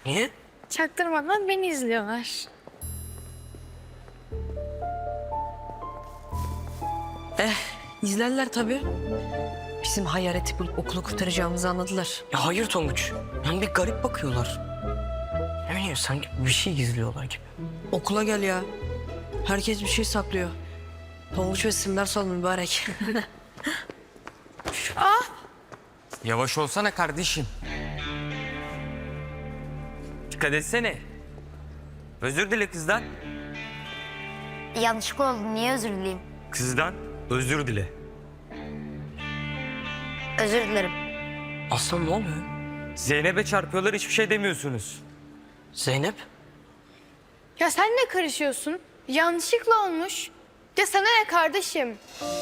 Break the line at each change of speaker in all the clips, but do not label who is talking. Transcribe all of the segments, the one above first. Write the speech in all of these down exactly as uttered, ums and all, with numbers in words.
Niye?
Çaktırmadan beni izliyorlar.
Eh, izlerler tabii. Bizim hayaleti bulup okulu kurtaracağımızı anladılar.
Ya hayır Tonguç. Yani bir garip bakıyorlar. Ne bileyim sanki bir şey gizliyorlar gibi.
Okula gel ya. Herkes bir şey saklıyor. Tonguç ve Simber sal mübarek.
Yavaş olsana kardeşim. Dikkat etsene. Özür dile kızdan.
Yanlışlık oldu. Niye özür dileyim?
Kızdan özür dile.
Özür dilerim.
Aslan ne oluyor?
Zeynep'e çarpıyorlar, hiçbir şey demiyorsunuz.
Zeynep?
Ya sen ne karışıyorsun? Yanlışlıkla olmuş. Ya sana ne kardeşim?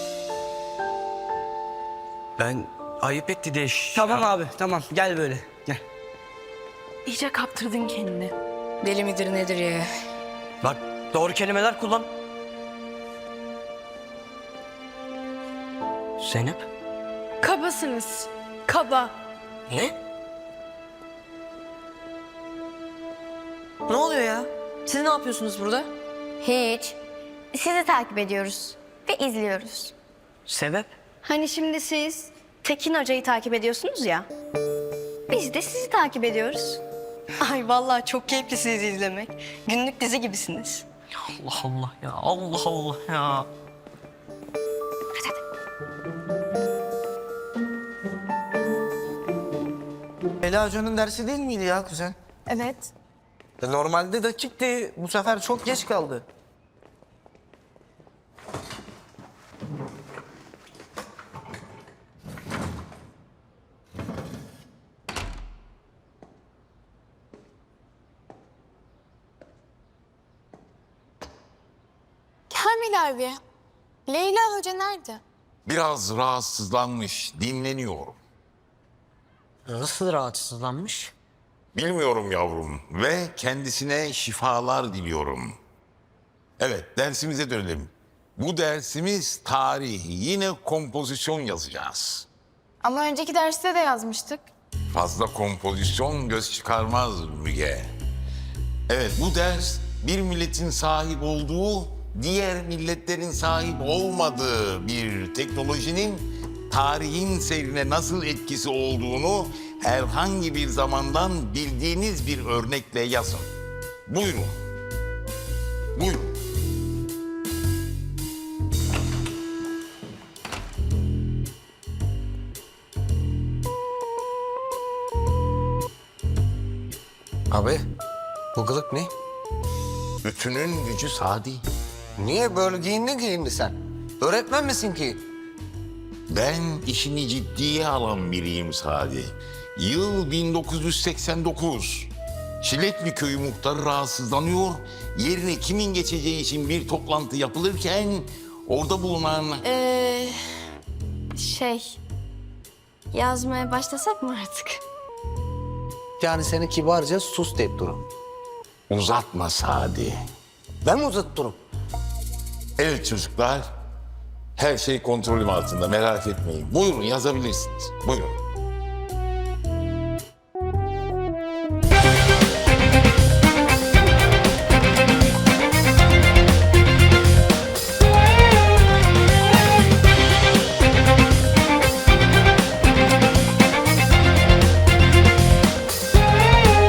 Ben ayıp etti diye... ş-
Tamam abi tamam gel böyle gel.
İyice kaptırdın kendini. Deli midir nedir ya?
Bak doğru kelimeler kullan. Zeynep?
Kabasınız. Kaba.
Ne?
Ne oluyor ya? Siz ne yapıyorsunuz burada?
Hiç. Sizi takip ediyoruz ve izliyoruz.
Sebep?
Hani şimdi siz Tekin Hoca'yı takip ediyorsunuz ya. Biz de sizi takip ediyoruz.
Ay vallahi çok keyifli sizi izlemek. Günlük dizi gibisiniz.
Allah Allah ya. Allah Allah ya.
Ela Hoca'nın dersi değil miydi ya kuzen?
Evet.
E, Normalde dakikti. Bu sefer çok geç kaldı.
Kamil abi. Leyla Hoca nerede?
Biraz rahatsızlanmış, dinleniyor.
Nasıl rahatsızlanmış?
Bilmiyorum yavrum ve kendisine şifalar diliyorum. Evet, dersimize dönelim. Bu dersimiz tarih, yine kompozisyon yazacağız.
Ama önceki derste de yazmıştık.
Fazla kompozisyon göz çıkarmaz Müge. Evet, bu ders bir milletin sahip olduğu, diğer milletlerin sahip olmadığı bir teknolojinin tarihin seyrine nasıl etkisi olduğunu herhangi bir zamandan bildiğiniz bir örnekle yazın. Buyurun. Buyurun.
Abi, bu kılık ne?
Bütünün gücü Sadi.
Niye böyle giyindin giyindi sen? Öğretmen misin ki?
Ben işini ciddiye alan biriyim Sadi. Yıl bin dokuz yüz seksen dokuz. Çilekli Köyü muhtarı rahatsızlanıyor. Yerine kimin geçeceği için bir toplantı yapılırken orada bulunan...
Ee, şey... Yazmaya başlasak mı artık?
Yani seni kibarca sus deyip durun.
Uzatma Sadi.
Ben mi uzatırım?
Evet çocuklar, her şey kontrolüm altında, merak etmeyin. Buyurun yazabilirsiniz. Buyurun.